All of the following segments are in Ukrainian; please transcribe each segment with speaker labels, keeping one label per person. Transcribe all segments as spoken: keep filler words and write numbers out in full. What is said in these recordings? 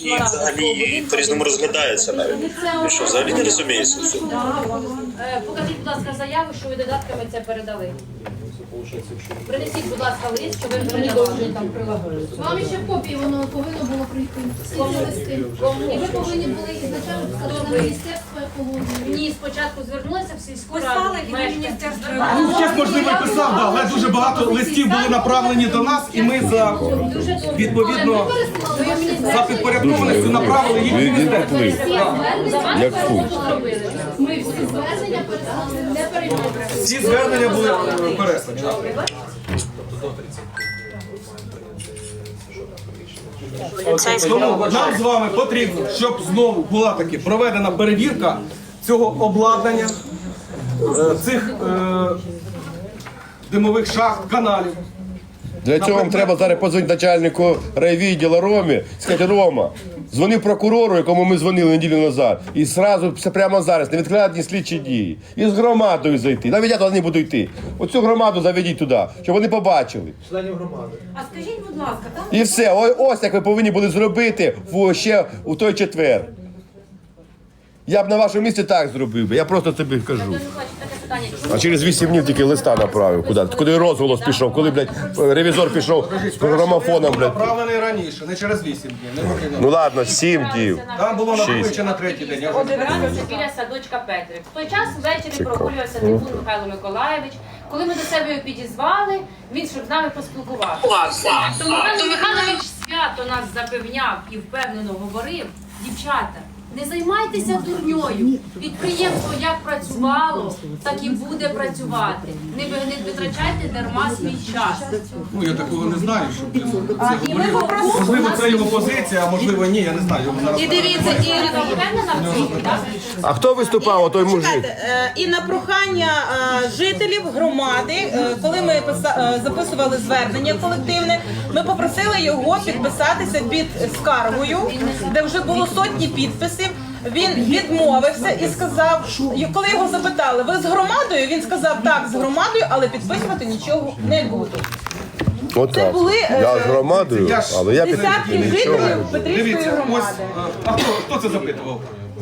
Speaker 1: І взагалі по-різному розглядається навіть. Ви що, взагалі не розумієте цього?
Speaker 2: Покажіть, будь ласка, заяву, що ви додатками це передали. Принесіть, будь ласка, лист, що ви передавали там прилагали.
Speaker 3: Вам ще в копії воно повинно було прийти. Всі ці листи. І ви повинні були ізначально сказати на міністерство екології.
Speaker 2: Ні, спочатку звернулися в сільську раду.
Speaker 4: Писали і на міністерство.
Speaker 5: Ну, час, можливо, і писав, да, але дуже багато листів були направлені до нас, і ми за, відповідно, за підпорядкованістю направили їх в міністерство. Да.
Speaker 6: Як фунт.
Speaker 3: Ми всі звернення переслали, не переймаємо.
Speaker 5: Всі звернення були е, переслані. Тому нам з вами потрібно, щоб знову була таки проведена перевірка цього обладнання, е, цих е, димових шахт, каналів.
Speaker 6: Для цього вам треба зараз подзвонити начальнику райвідділу Ромі, сказати: Рома, дзвони прокурору, якому ми дзвонили неділю назад, і одразу, прямо зараз, невідкладні слідчі дії. І з громадою зайти. Навіть я туди не буду йти. Оцю громаду заведіть туди, щоб вони побачили.
Speaker 4: Членів громади. А скажіть, будь ласка, там
Speaker 6: І все. О- Ось як ви повинні були зробити в, ще у той четвер. Я б на вашому місці так зробив би. Я просто тобі кажу. А через вісім днів тільки листа направив. Куди? Куди розголос пішов, коли, блядь, ревізор пішов з грамофоном, блядь.
Speaker 5: Направлений раніше, не через вісім днів. Не
Speaker 6: Ну ладно, сім днів.
Speaker 5: Там було накопичено на третій день. Я вже
Speaker 2: Це біля садочка Петрик. В той час ввечері прогулювався Типун Михайло Миколаєвич. Коли ми до себе його підізвали, він щоб з нами поспілкувався. То Михайло Михайлович свято нас запевняв і впевнено говорив: дівчата, не займайтеся дурньою. Підприємство як працювало, так і буде працювати. Не ви- не витрачайте дарма свій час.
Speaker 5: Ну, я такого не знаю, щоб це говорив. Можливо, це його позиція, а можливо, ні, я не знаю. Його зараз
Speaker 4: і дивіться, і,
Speaker 2: Ви впевнена в цьому, так?
Speaker 6: А хто виступав, отой мужик?
Speaker 4: Е, і на прохання е, жителів громади, е, коли ми писа- е, записували звернення колективне, ми попросили його підписатися під скаргою, де вже було сотні підписів. Він відмовився і сказав, і коли його запитали: ви з громадою? Він сказав: так, з громадою, але підписувати нічого не буду.
Speaker 6: Отак.
Speaker 4: були, е,
Speaker 6: Я з громадою,
Speaker 5: я ж-
Speaker 6: але я
Speaker 4: Десятки
Speaker 6: підтримую нічого.
Speaker 4: жителів Петрівської
Speaker 5: Дивіться, ось,
Speaker 4: громади.
Speaker 5: е, а хто, хто це запитував?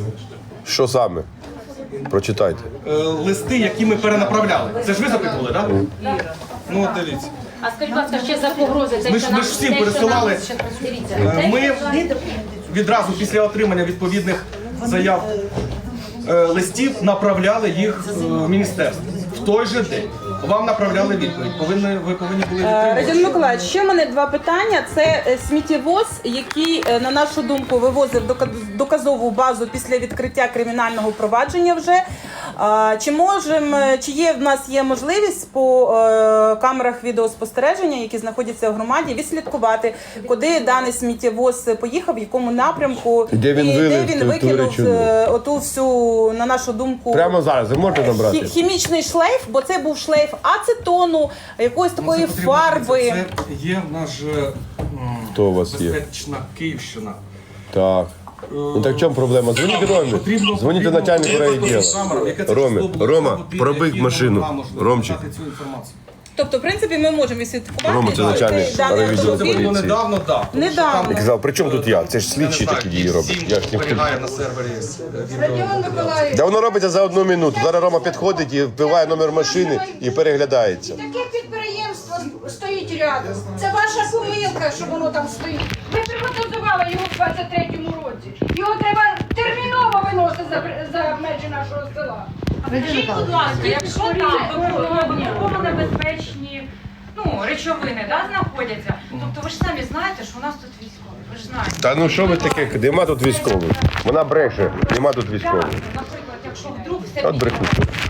Speaker 6: Що саме? Прочитайте.
Speaker 5: Е, Листи, які ми перенаправляли. Це ж ви запитували, так? Ну, от дивіться.
Speaker 2: А скажіть, будь ласка, ще за погрози. Це
Speaker 5: Ми
Speaker 2: що
Speaker 5: ж- ми
Speaker 2: нам-
Speaker 5: ж всім
Speaker 2: те, що
Speaker 5: пересилали.
Speaker 2: нам- ще- Дивіться,
Speaker 5: Е,
Speaker 2: те,
Speaker 5: Ми
Speaker 2: що-
Speaker 5: відразу після отримання відповідних заяв е, листів направляли їх е, в міністерство. В той же день вам направляли відповідь. Повинні, ви повинні були
Speaker 4: Радіон
Speaker 5: відтримувати.
Speaker 4: Миколаївич, ще в мене два питання. Це е, сміттєвоз, який, е, на нашу думку, вивозив дока- доказову базу після відкриття кримінального провадження вже. А, Чи можемо, чи є в нас є можливість по е, камерах відеоспостереження, які знаходяться в громаді, відслідкувати, куди даний сміттєвоз поїхав, в якому напрямку,
Speaker 6: Де він
Speaker 4: і
Speaker 6: вилив
Speaker 4: де він
Speaker 6: ту- ту
Speaker 4: викинув
Speaker 6: речовину?
Speaker 4: е, оту всю, на нашу думку,
Speaker 6: Прямо зараз ви можете
Speaker 4: хі-
Speaker 6: набрати?
Speaker 4: хімічний шлейф, бо це був шлейф ацетону, якоїсь
Speaker 5: Ну,
Speaker 4: такої
Speaker 5: це потрібно,
Speaker 4: фарби.
Speaker 5: Це є в нас же м,
Speaker 6: Хто у вас є?
Speaker 5: безпечна Київщина.
Speaker 6: Так. Ну так в чому проблема? Дзвоніть Ромі.
Speaker 5: Потрібно-
Speaker 6: Дзвоніть
Speaker 5: потрібно
Speaker 6: начальнику
Speaker 5: подивитися
Speaker 6: райвідділу.
Speaker 5: камерам, яке це
Speaker 6: Ромі,
Speaker 5: число було,
Speaker 6: Рома,
Speaker 5: або
Speaker 6: пробий
Speaker 5: які
Speaker 6: машину.
Speaker 5: вона може
Speaker 6: Ромчик.
Speaker 5: дати цю інформацію.
Speaker 4: Тобто, в принципі, ми можемо відслідкувати.
Speaker 6: Рома, це начальник
Speaker 4: цей даний
Speaker 6: райвідділу
Speaker 4: автомобіль.
Speaker 5: Це було
Speaker 6: поліції.
Speaker 5: недавно, так.
Speaker 4: Недавно.
Speaker 6: Я казав, при чому тут я? Це ж слідчі такі дії роблять. Я ж не
Speaker 5: зберігає на сервері е, відео.
Speaker 6: Да воно робиться за одну минуту. Зараз Рома підходить і вбиває номер машини і переглядається.
Speaker 3: Таке підприємство стоїть рядом. Це ваша помилка, що воно там стоїть. Ви приватизували його в двадцять третьому році. Його треба терміново виносити за, за межі нашого села.
Speaker 7: Скажіть, будь ласка, якщо там вибухово небезпечні ну, речовини да, знаходяться, тобто ви ж самі знаєте, що у нас тут військові, ви ж знаєте.
Speaker 6: Та ну що ви таке? Нема тут військових. Вона бреше, нема тут військових.
Speaker 7: Наприклад, якщо вдруг все
Speaker 6: От брехуть.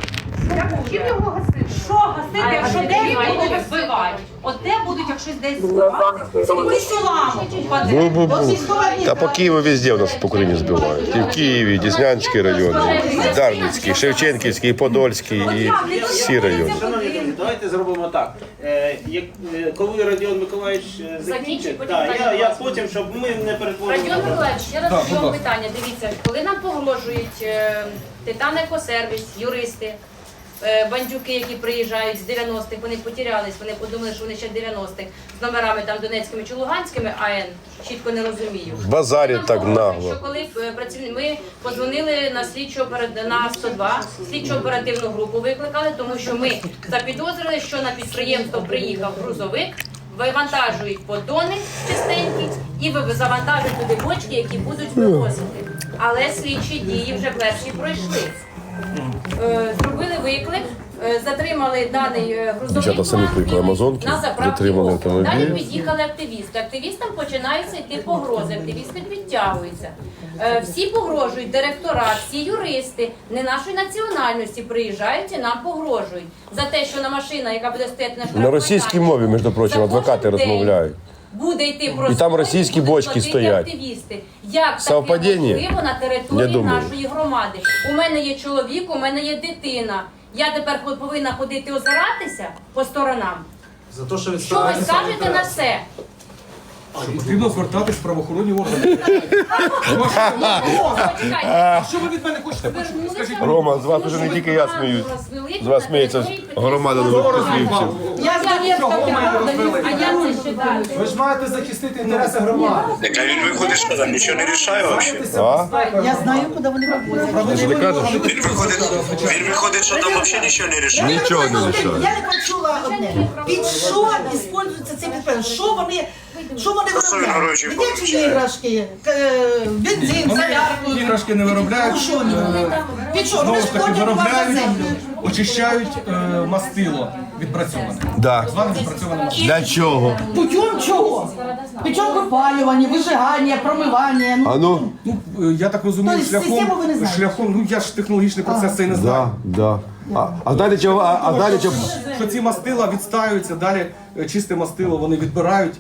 Speaker 7: чим його гасити? Що гасити, якщо десь будуть вбивати? От де будуть, якщо десь збивати? Скільки сілами впаде?
Speaker 6: Бу-бу-бу. Та по Києву везде у нас по Україні збивають. І в Києві, і Деснянський район, і Дарницький, Шевченківський, і Подольський, і всі райони.
Speaker 8: Шановні друзі, давайте зробимо так. Е, як, е, коли Радіон Миколаївич е, закінчить,
Speaker 2: потім
Speaker 8: так,
Speaker 2: Радіон
Speaker 8: я, я потім, щоб ми не перетворили.
Speaker 2: Радіон Миколаївич, ще раз
Speaker 5: Так,
Speaker 2: до
Speaker 5: будь
Speaker 2: цього
Speaker 5: ласка.
Speaker 2: питання. Дивіться, коли нам погрожують е, Титан Екосервіс, юристи, е, бандюки, які приїжджають з дев'яностих, вони потерялись, вони подумали, що вони ще дев'яностих з номерами там донецькими чи луганськими, а я чітко не розумію.
Speaker 6: Базарять
Speaker 2: Нам
Speaker 6: так
Speaker 2: погрожують,
Speaker 6: нагло.
Speaker 2: Що коли е, працівники, ми подзвонили на слідчу оперативну на сто два, слідчу оперативну групу викликали, тому що ми запідозрили, що на підприємство приїхав грузовик, вивантажують поддони чистенькі і ви- завантажують туди бочки, які будуть вивозити. Але слідчі дії вже перші пройшли. Е, Зробили виклик, е, затримали даний е, грузовик
Speaker 6: Дівчата самі кликали Амазонки,
Speaker 2: на заправці
Speaker 6: затримали
Speaker 2: «Опол».
Speaker 6: автомобіль.
Speaker 2: Далі під'їхали активісти. Активістам починаються йти погрози, активісти підтягуються. Е, Всі погрожують, директора, всі юристи, не нашої національності приїжджають і нам погрожують. За те, що на машина, яка буде стояти на штрафмайданчику,
Speaker 6: На російській мові, між прочим,
Speaker 2: за
Speaker 6: адвокати
Speaker 2: кожен день
Speaker 6: розмовляють.
Speaker 2: Буде йти просто
Speaker 6: І там російські бочки стоять.
Speaker 2: Активісти. Як
Speaker 6: Совпадіння?
Speaker 2: таке можливо на
Speaker 6: Я
Speaker 2: території
Speaker 6: думаю.
Speaker 2: нашої громади? У мене є чоловік, у мене є дитина. Я тепер повинна ходити озиратися по сторонам.
Speaker 5: За те, що
Speaker 2: Що ви
Speaker 5: відстоюваєте
Speaker 2: скажете на це?
Speaker 5: Потрібно звертатись в правоохоронні органи.
Speaker 2: Почекайте.
Speaker 5: А що ви від мене хочете почути? Скажіть,
Speaker 6: Рома, з вас уже не тільки я сміюсь. З вас сміється громада нових Петрівців.
Speaker 3: Я
Speaker 2: А я це ще далі.
Speaker 9: Ви ж маєте захистити інтереси громади.
Speaker 1: Так а він виходить, що там нічого не рішає взагалі.
Speaker 6: А?
Speaker 3: Я знаю, куди вони вивозять.
Speaker 6: Що ти кажеш?
Speaker 1: Він виходить, він виходить, що там взагалі нічого не рішає.
Speaker 6: Нічого не лишає.
Speaker 10: Я не почула одне. Під що використовується цей підприємство? Що вони, що вони
Speaker 1: Що він
Speaker 10: виробляють?
Speaker 1: гроші
Speaker 10: Дитячі
Speaker 1: получає?
Speaker 10: іграшки, е, бензин,
Speaker 5: Вони
Speaker 10: солярку.
Speaker 5: іграшки не виробляють,
Speaker 10: Ну, що вони виробляють? Під що?
Speaker 5: знову
Speaker 10: Вони
Speaker 5: ж
Speaker 10: ж
Speaker 5: таки
Speaker 10: платять вам за
Speaker 5: виробляють,
Speaker 10: землю.
Speaker 5: очищають е, мастило відпрацьоване.
Speaker 6: Да.
Speaker 5: Так зване відпрацьоване мастило.
Speaker 6: Для чого?
Speaker 10: Путем чого? Путем випалювання, вижигання, промивання. Ну,
Speaker 6: А ну?
Speaker 5: Ну, е, я так розумію,
Speaker 10: Тобто систему
Speaker 5: шляхом,
Speaker 10: ви не знаєте?
Speaker 5: шляхом, ну я ж технологічний процес цей не знаю.
Speaker 6: Да, да. А, а знаєте чого? А, а знаєте чого?
Speaker 5: Що ці мастила відстаються, далі е, чисте мастило вони відбирають,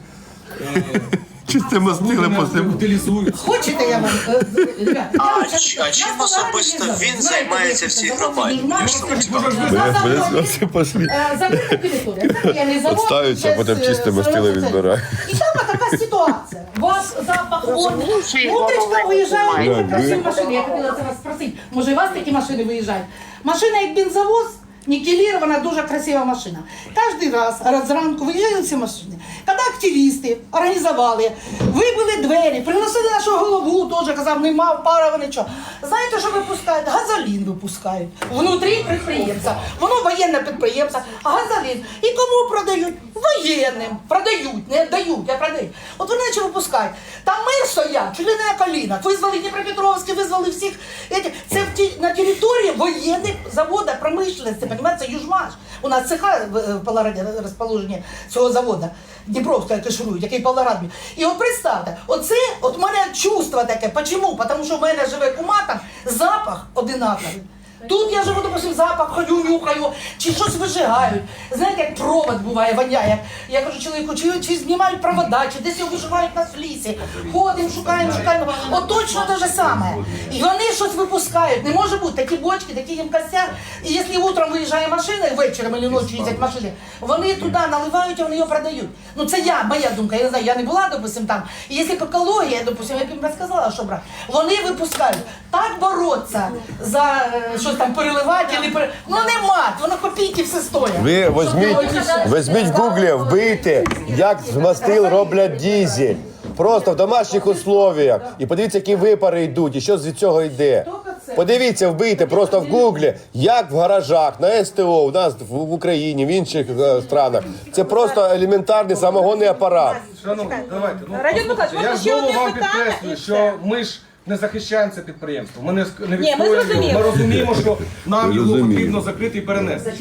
Speaker 6: Чисте мастили
Speaker 5: не утилізують.
Speaker 10: Хочете я вам? е, ребят, я
Speaker 1: А,
Speaker 10: вам
Speaker 1: чи-
Speaker 10: щас-
Speaker 1: а чим
Speaker 10: я
Speaker 1: особисто
Speaker 10: сказала,
Speaker 1: він
Speaker 10: знаєте,
Speaker 1: займається в
Speaker 10: ви
Speaker 1: цій
Speaker 10: завод
Speaker 1: громаді?
Speaker 10: «Дільман»,
Speaker 1: Я ж саме цікаво.
Speaker 10: на заводі,
Speaker 6: Все пошли.
Speaker 10: е, закрита територія. Це воєнний завод,
Speaker 6: Відставиться,
Speaker 10: без,
Speaker 6: потім
Speaker 10: е,
Speaker 6: чисте мастило
Speaker 10: сировини.
Speaker 6: відбирають.
Speaker 10: І там така ситуація. У вас запах вон. Утречка виїжджає дуже красиві машини. Я хотіла це вас спросити. Може, і у вас такі машини виїжджають? Машина як бензовоз, нікелірована, дуже красива машина. Кожен раз, раз зранку виїжджають ці машини. Коли активісти організували, вибили двері, приносили нашу голову, теж казав, нема пара, нічого. Знаєте, що випускають? Газолін випускають. Внутрі підприємця. Воно воєнне підприємство, а газолін. І кому продають? Воєнним. Продають, не дають, а продають. От вони наче випускають. Там ми стоять, чуть ли не на колінах. Визвали Дніпропетровський, визвали всіх. Еті. Це в ті- на території воєнних заводів промишленості, понимаете, Южмаш. У нас цеха в в Павлограді розположені цього заводу. Дніпровська каширують, який Павлоград. І от представте, оце, от мене чувство таке. Чому? Тому що в мене живе кума там, запах одинаковий. Тут я живу, допустим, запах, ходю, нюхаю, чи щось вижигають. Знаєте, як провод буває, воняє. Я кажу чоловіку, чи, чи знімають провода, чи десь його виживають на лісі. Ходимо, шукаємо, шукаємо. От точно те ж саме. І вони щось випускають. Не може бути такі бочки, такі ємкостя. І якщо утром виїжджає машина, і вечором або ночі їздять машини, вони туди наливають, і вони його продають. Ну це я, моя думка, я не знаю, я не була, допустим, там. І якщо б екологія, допустим, я б їм розказала, що брати, вони випускають. Так боротися за е, щось там переливати, або пере... ну нема, воно копійки все стоїть.
Speaker 6: Ви візьміть, візьміть в гуглі, вбийте, як з мастил роблять дізель. Просто в домашніх условіях. І подивіться, які випари йдуть, і що з цього йде. Подивіться, вбийте просто в гуглі, як в гаражах, на ес те о, у нас в Україні, в інших е, странах. Це просто елементарний самогонний апарат.
Speaker 5: Шановні, давайте. Ну,
Speaker 4: Радіон
Speaker 5: послухайте,
Speaker 4: Миколаївич,
Speaker 5: я
Speaker 4: можна ще
Speaker 5: знову
Speaker 4: одне
Speaker 5: вам
Speaker 4: питання,
Speaker 5: підкреслюю,
Speaker 4: і
Speaker 5: що
Speaker 4: все.
Speaker 5: ми ж не захищаємо це підприємство. Ми не, ск- не
Speaker 4: ми
Speaker 5: відстоюємо.
Speaker 4: зрозуміли.
Speaker 5: Ми розуміємо, що нам його
Speaker 6: Розуміємо.
Speaker 5: потрібно закрити і перенести.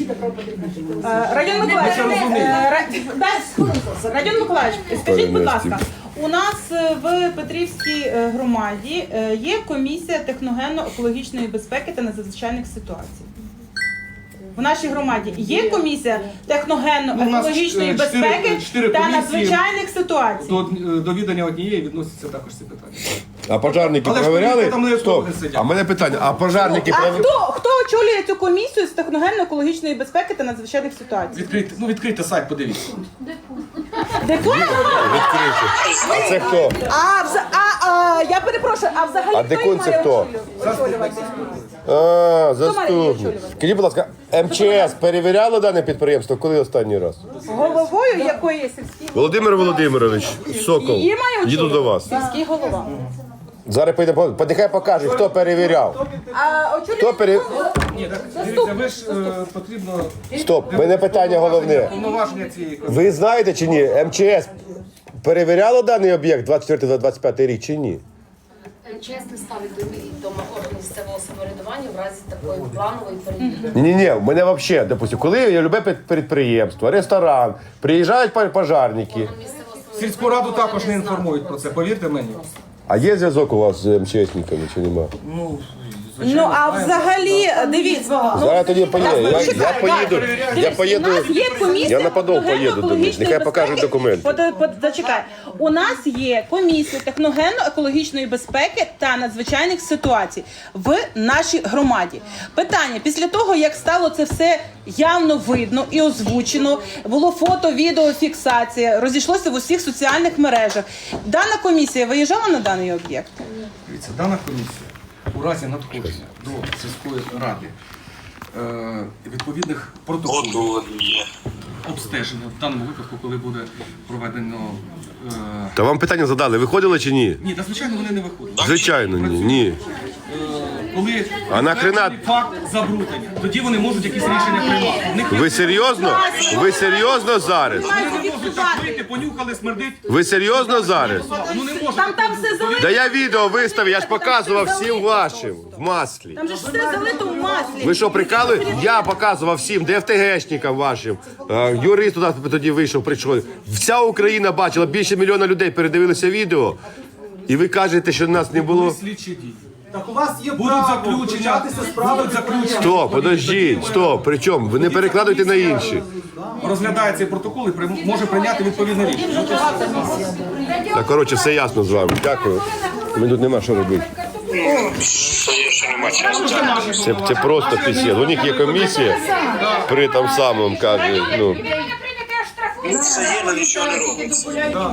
Speaker 4: Е, Радіон Миколаївич,
Speaker 5: Ми це розуміємо.
Speaker 4: е, Ра- дай- Радіон Миколаївич, скажіть, будь ласка, у нас е, в Петрівській е, громаді е, є комісія техногенно-екологічної безпеки та надзвичайних ситуацій. В нашій громаді є комісія
Speaker 5: Ну, у нас,
Speaker 4: техногенно-екологічної
Speaker 5: е, чотири-
Speaker 4: безпеки
Speaker 5: чотири
Speaker 4: та
Speaker 5: комісії.
Speaker 4: надзвичайних ситуацій.
Speaker 5: До, до відання однієї відносяться також ці питання.
Speaker 6: А пожарники
Speaker 5: Але ж
Speaker 6: перевіряли?
Speaker 5: там не
Speaker 6: Стоп.
Speaker 5: екологи сидять.
Speaker 6: А в мене питання, а пожарники
Speaker 4: А
Speaker 6: перевіряли?
Speaker 4: хто, хто очолює цю комісію з техногенно-екологічної безпеки та надзвичайних ситуацій?
Speaker 5: Відкрийте, ну, відкрийте сайт, подивіться.
Speaker 4: Декон?
Speaker 6: А це хто?
Speaker 4: А, вза- а, а, я перепрошую, а взагалі
Speaker 6: А
Speaker 4: хто
Speaker 6: декун
Speaker 4: її
Speaker 6: це
Speaker 4: має
Speaker 6: хто?
Speaker 4: очолювати?
Speaker 6: А,
Speaker 4: її
Speaker 6: заступник.
Speaker 4: очолювати?
Speaker 6: Скажіть, будь ласка, ем че ес перевіряло дане підприємство? Коли останній раз?
Speaker 4: Головою якої сільській?
Speaker 6: Володимир Володимирович, Сокол,
Speaker 4: Її має
Speaker 6: їду до вас.
Speaker 4: Сільський голова.
Speaker 6: Зараз поїдемо, по- нехай покаже, хто перевіряв.
Speaker 4: А очолює
Speaker 6: Хто пере...
Speaker 5: Ні, так дивіться, ви ж е, потрібно
Speaker 6: Стоп, мене питання головне.
Speaker 5: повноваження цієї комісії.
Speaker 6: Ви знаєте чи ні, ем че ес перевіряло даний об'єкт двадцять четвертий двадцять п'ятий рік чи ні?
Speaker 2: Чесно ставить до відома органу місцевого самоврядування в разі такої планової перевірки.
Speaker 6: Ні-ні, в мене взагалі, допустим, коли є любе під- підприємство, ресторан, приїжджають пар- пожарники,
Speaker 5: Сільську раду також не інформують про це, повірте мені.
Speaker 6: а є зв'язок у вас з ем че есниками чи нема?
Speaker 5: Ну,
Speaker 4: Ну, а взагалі, дивіться, ну,
Speaker 6: Зараз тоді поїду, я, я
Speaker 4: чекай,
Speaker 6: поїду, я
Speaker 4: Дивись,
Speaker 6: поїду,
Speaker 4: у нас є комісія
Speaker 6: я на Подол поїду до них, нехай покажуть документи.
Speaker 4: Под, под, зачекай. У нас є комісія техногенно-екологічної безпеки та надзвичайних ситуацій в нашій громаді. Питання, після того, як стало це все явно видно і озвучено, було фото, відео, фіксація, розійшлося в усіх соціальних мережах. Дана комісія виїжджала на даний об'єкт?
Speaker 5: дивіться, дана комісія у разі надходження до сільської ради е, відповідних протоколів обстеження в даному випадку, коли буде проведено. Е,
Speaker 6: Та вам питання задали, виходили чи ні?
Speaker 5: ні, та звичайно вони не виходять.
Speaker 6: Звичайно, ні. ні.
Speaker 5: Е, коли
Speaker 6: А нахрена-
Speaker 5: підтверджений факт забруднення, тоді вони можуть якісь рішення приймати. У них є-
Speaker 6: Ви серйозно? Ви серйозно зараз?
Speaker 5: Вони не можуть так вийти, понюхали, смердить.
Speaker 6: Ви серйозно зараз?
Speaker 5: Ну не може.
Speaker 4: Там, там все залито.
Speaker 6: Да я відео виставив, я ж показував всім вашим в маслі.
Speaker 4: Там же ж все залито в маслі.
Speaker 6: Ви що, прикали? Я показував всім ДФТГшникам вашим. Е, Юрист туди тоді вийшов, прийшов. Вся Україна бачила, більше мільйона людей передивилися відео. І ви кажете, що нас не було.
Speaker 5: Слідчі дії.
Speaker 9: Так у вас є
Speaker 5: Будуть
Speaker 9: право
Speaker 5: заключення,
Speaker 9: включатися справи.
Speaker 5: будуть заключення.
Speaker 6: Стоп, подождіть, стоп, при чому? Ви не перекладуйте на інші.
Speaker 5: Розглядає цей протокол і прийм- може прийняти відповідне рішення.
Speaker 6: Так, коротше, все ясно з вами. Дякую. Мені тут нема що робити. Це, це просто пісєд. У них є комісія при там самому, каже, ну.
Speaker 1: Це є, але нічого не робиться.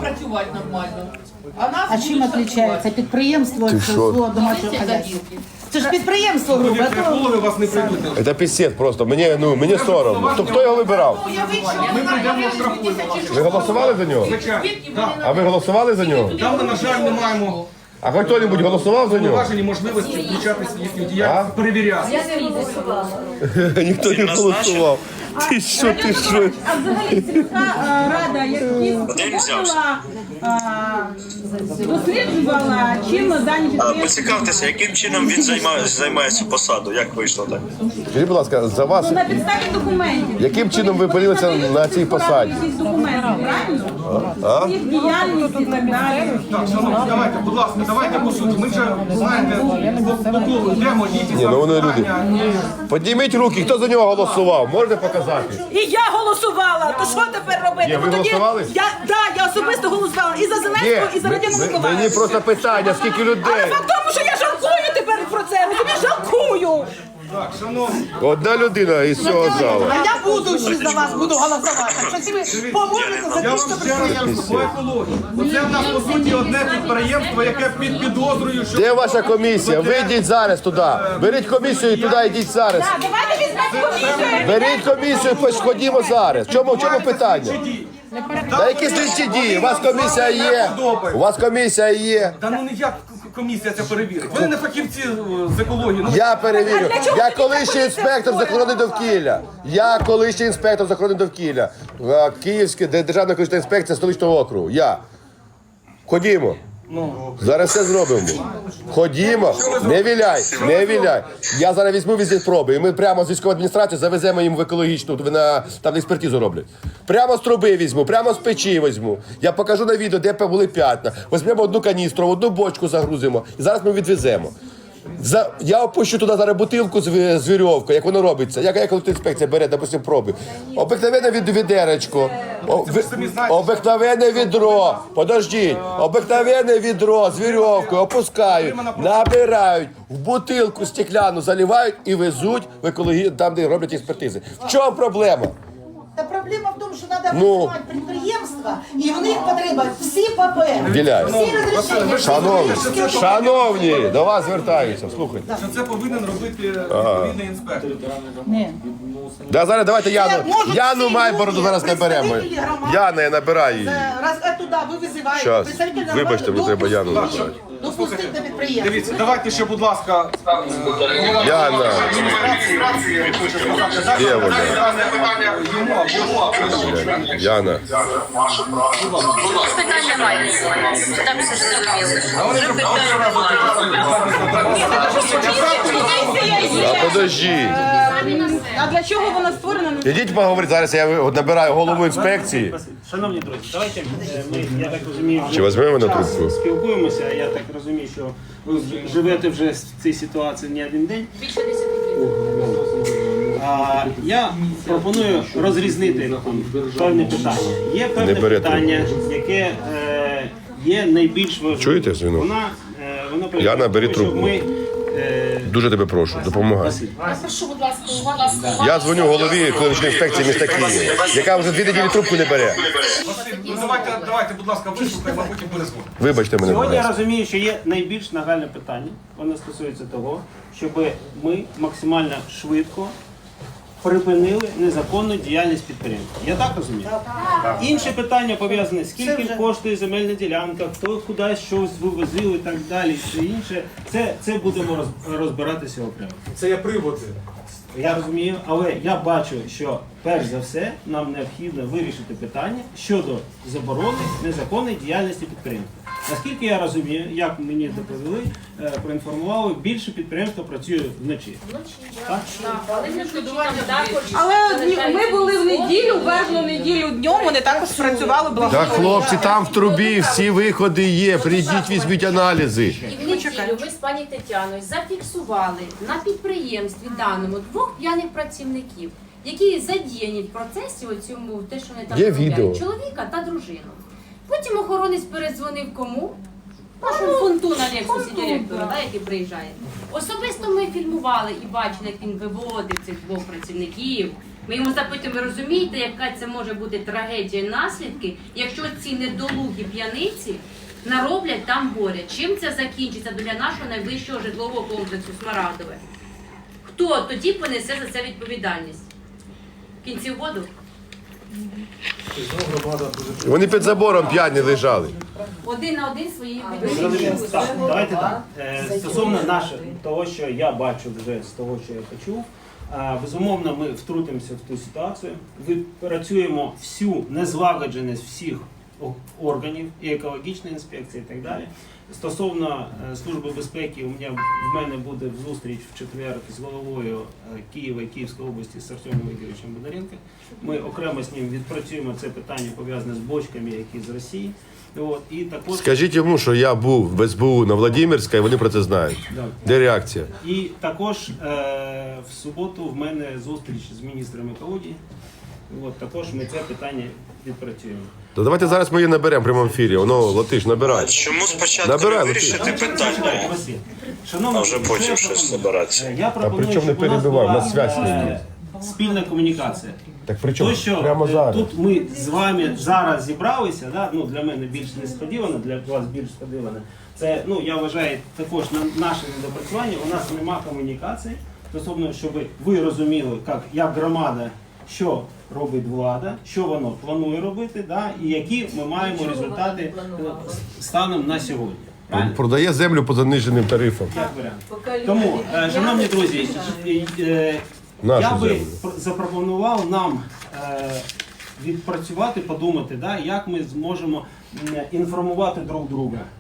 Speaker 10: А чим відрізняється підприємство від
Speaker 6: що?
Speaker 10: свого домашнього хазяйства? Це ж підприємство грубе.
Speaker 5: Повірте, голови вас не прийдуть.
Speaker 6: Це пісєд просто. Мені, ну, мені соромно. Хто, хто його вибирав?
Speaker 5: Ми прийдемо штрафуємо вас.
Speaker 6: Ви голосували за нього?
Speaker 5: Звичайно. Так.
Speaker 6: А ви голосували за нього?
Speaker 5: Там ми, на жаль, не маємо
Speaker 6: А хоч хто-небудь голосував за нього?
Speaker 5: поважені можливості включатися в їхню діяльність, перевіряти.
Speaker 6: Ніхто не голосував. Ти що, ти що?
Speaker 4: А взагалі сільська е, рада якісь
Speaker 1: Де він взявся?
Speaker 4: е, досліджувала, чим дані
Speaker 1: А
Speaker 4: підприємства.
Speaker 1: поцікавтеся, яким чином він займає, займає цю посаду? Як вийшло так?
Speaker 6: Скажіть, будь ласка, за вас,
Speaker 4: Ну, на підставі документів.
Speaker 6: яким чином ви опинилися на цій посаді?
Speaker 4: Якісь документи, правильно? Їх діяльність і так далі.
Speaker 5: Так, шановні, давайте, будь ласка, давайте по суті. Ми вже, знаєте, по по колу йдемо, і
Speaker 6: Ні, ну вони люди. Підніміть руки, хто за нього голосував? Можете показати?
Speaker 4: І я голосувала. То що тепер робити?
Speaker 6: Ні, ви
Speaker 4: Ну, тоді
Speaker 6: голосували?
Speaker 4: Я, да, я особисто голосувала і за
Speaker 6: Ні,
Speaker 4: Зеленського, і за Радіона
Speaker 6: ми-
Speaker 4: Миколаївича.
Speaker 6: мені просто питання, скільки
Speaker 4: Але
Speaker 6: людей?
Speaker 4: факт в тому, що я жалкую тепер про це. Розумієш, жалкую.
Speaker 5: Так, шановні,
Speaker 6: Одна людина із цього залу.
Speaker 10: А я буду ще за вас буду голосувати. Що ви поможете
Speaker 5: я
Speaker 10: за
Speaker 5: вам
Speaker 10: те, що
Speaker 5: ще раз кажу, по екології. Оце в нас, по суті, одне підприємство, яке під підозрою, що...
Speaker 6: Де ваша комісія? Ви йдіть зараз туди. Беріть комісію і туди йдіть зараз.
Speaker 4: А давайте візьмемо комісію.
Speaker 6: Беріть комісію, пос- ходімо зараз. В чому, в чому питання? Та які слідчі дії? У вас комісія є. У вас комісія є.
Speaker 5: Та ну ніяк комісія це перевірить. Вони не фахівці е, з екології. Ну,
Speaker 6: Я перевірю. Я колишній інспектор з охорони довкілля. Я колишній інспектор з охорони довкілля. Е, Київська Державна екологічна інспекція столичного округу. Я. Ходімо. Зараз все зробимо. Ходімо, не віляй, не віляй. Я зараз візьму візит проби, і ми прямо з військової адміністрації завеземо їм в екологічну, на, там експертизу роблять. Прямо з труби візьму, прямо з печі візьму. Я покажу на відео, де були п'ятна. Візьмемо одну каністру, одну бочку загрузимо. І зараз ми відвеземо. За, я опущу туди зараз бутилку з, ві- з вірьовкою, як воно робиться. Як екологічна інспекція бере, допустим, проби. Обикновенне від, відеречко. О, ви- обикновенне відро. Подождіть. Обикновенне відро з вірьовкою опускають, набирають, в бутилку стекляну заливають і везуть в екологію, там, де роблять експертизи. В чому проблема?
Speaker 10: Та проблема в тому, що треба
Speaker 6: Ну.
Speaker 10: визивати підприємства, і в них потрібні всі папери,
Speaker 6: Віляй.
Speaker 10: всі розрішення. всі
Speaker 6: Шановні,
Speaker 10: документи.
Speaker 6: шановні, до вас звертаюся, слухайте.
Speaker 5: Що це повинен робити відповідний інспектор.
Speaker 10: Ні.
Speaker 6: Да, зараз давайте Яну.
Speaker 10: Це можуть
Speaker 6: Яну
Speaker 10: всі
Speaker 6: Майбороду
Speaker 10: люди,
Speaker 6: зараз наберемо.
Speaker 10: представники громади.
Speaker 6: Яна, я набираю її.
Speaker 10: Це раз а туди ви визиваєте.
Speaker 6: Щас.
Speaker 10: представителя
Speaker 6: Вибачте,
Speaker 10: громади,
Speaker 6: мені треба Яну
Speaker 10: допустіть,
Speaker 6: набрати.
Speaker 10: Допустіть до підприємства.
Speaker 5: Дивіться, давайте ще, будь ласка, е, голова
Speaker 6: Яна.
Speaker 5: адміністрації хоче сказати. Так,
Speaker 6: Де вона?
Speaker 5: питання йому або
Speaker 6: Яна.
Speaker 2: Питань немає. Там все зрозуміло.
Speaker 6: А подожди.
Speaker 4: А для чого вона створена?
Speaker 6: Ідіть поговорити, зараз я от набираю голову інспекції.
Speaker 8: Шановні друзі, давайте е, ми, я так розумію, вже
Speaker 6: Чи візьмемо на
Speaker 8: час
Speaker 6: трубку?
Speaker 8: спілкуємося. Я так розумію, що ви живете вже в цій ситуації не один день.
Speaker 2: Більше десяти років.
Speaker 8: А, я пропоную розрізнити там, певні питання. Є певне
Speaker 6: Не бере
Speaker 8: питання, яке е, є найбільш важливим.
Speaker 6: Чуєте, Звінок?
Speaker 8: Вона, е, вона полягає
Speaker 6: Яна,
Speaker 8: в
Speaker 6: бери
Speaker 8: тому, щоб
Speaker 6: трубку.
Speaker 8: Ми, е,
Speaker 6: Дуже тебе прошу, допомагай.
Speaker 8: Василь,
Speaker 10: Прошу, будь ласка, увага.
Speaker 6: Я дзвоню голові екологічної інспекції міста Києва, яка вже дві неділі трубку не бере.
Speaker 5: Василь, ну давайте, давайте, будь ласка, вислухаємо, а потім перезвонимо.
Speaker 6: Вибачте мене, будь
Speaker 8: Сьогодні я
Speaker 6: ласка.
Speaker 8: розумію, що є найбільш нагальне питання. Воно стосується того, щоб ми максимально швидко припинили незаконну діяльність підприємства. Я так розумію? Так. Інше питання пов'язане, скільки коштує земельна ділянка, хто кудись щось вивозив і так далі, все інше. Це, це будемо роз- розбиратися окремо.
Speaker 9: Це є приводи.
Speaker 8: Я розумію, але я бачу, що перш за все нам необхідно вирішити питання щодо заборони незаконної діяльності підприємства. Наскільки я розумію, як мені доповіли, е, проінформували, більше підприємства працює вночі. Так?
Speaker 2: Але не там також.
Speaker 4: Але дні- ми були в неділю, верхню неділю днем, вони також працювали
Speaker 6: Так,
Speaker 4: благополучно.
Speaker 6: хлопці, там в трубі всі виходи є. Прийдіть, візьміть аналізи.
Speaker 2: І в неділю ми з пані Тетяною зафіксували на підприємстві даному двох п'яних працівників, які задіяні в процесі оцьому, те, що вони там
Speaker 6: Є
Speaker 2: роблять,
Speaker 6: відео.
Speaker 2: чоловіка та дружину. Потім охоронець передзвонив кому? Нашому фонту на Лексусі директора, да, який приїжджає. Особисто ми фільмували і бачили, як він виводив цих двох працівників. Ми йому запитуємо, ви розумієте, яка це може бути трагедія і наслідки, якщо ці недолугі п'яниці нароблять там горя. Чим це закінчиться для нашого найближчого житлового комплексу Смарагдове? Хто тоді понесе за це відповідальність? В кінці воду?
Speaker 6: Вони під забором п'яні лежали.
Speaker 2: Один на один свої
Speaker 8: Зрозуміло.
Speaker 2: відповідальності.
Speaker 8: Так, давайте так. Е, Стосовно нашого, того, що я бачу вже з того, що я почув, е, безумовно, ми втрутимося в ту ситуацію. Відпрацюємо всю незлагодженість всіх о- органів, і екологічної інспекції, і так далі. Стосовно е, Служби безпеки, у мене, в мене буде зустріч в четвер з головою е, Києва і Київської області з Артемом Ігоровичем Бондаренко. Ми окремо з ним відпрацюємо це питання пов'язане з бочками, які з Росії. От, і також
Speaker 6: Скажіть йому, що я був в ес бе у на Владимирська, і вони про це знають.
Speaker 8: Да.
Speaker 6: Де реакція?
Speaker 8: І також е, в суботу в мене зустріч з міністром екології. От, також ми це питання відпрацюємо.
Speaker 6: То давайте зараз ми її наберемо в прямому ефірі. Воно, Латиш, набирай.
Speaker 1: Чому спочатку
Speaker 6: Набирай,
Speaker 1: не вирішити питання,
Speaker 8: Василь, шановні,
Speaker 1: а вже
Speaker 8: що я
Speaker 1: потім щось
Speaker 8: пропоную?
Speaker 1: збиратися?
Speaker 8: Е, Я пропоную,
Speaker 6: причому не
Speaker 8: щоб у нас
Speaker 6: перебивай, у
Speaker 8: була
Speaker 6: нас зв'язь не
Speaker 8: е, спільна комунікація.
Speaker 6: Так при чому?
Speaker 8: То, що
Speaker 6: Прямо
Speaker 8: е,
Speaker 6: зараз.
Speaker 8: тут ми з вами зараз зібралися, да? Ну, для мене більш несподівано, для вас більш сподівано. Це, ну, я вважаю, також на наше недопрацювання. У нас нема комунікації стосовно, щоб ви розуміли, як, як громада, що робить влада, що воно планує робити, да? І які ми маємо результати е, станом на сьогодні. Правильно?
Speaker 6: Продає землю по заниженим тарифам.
Speaker 8: Як варіант. Тому, е, шановні друзі, е, е,
Speaker 6: Нашу
Speaker 8: я би
Speaker 6: землю.
Speaker 8: пр- запропонував нам е, відпрацювати, подумати, да, як ми зможемо м, інформувати друг друга.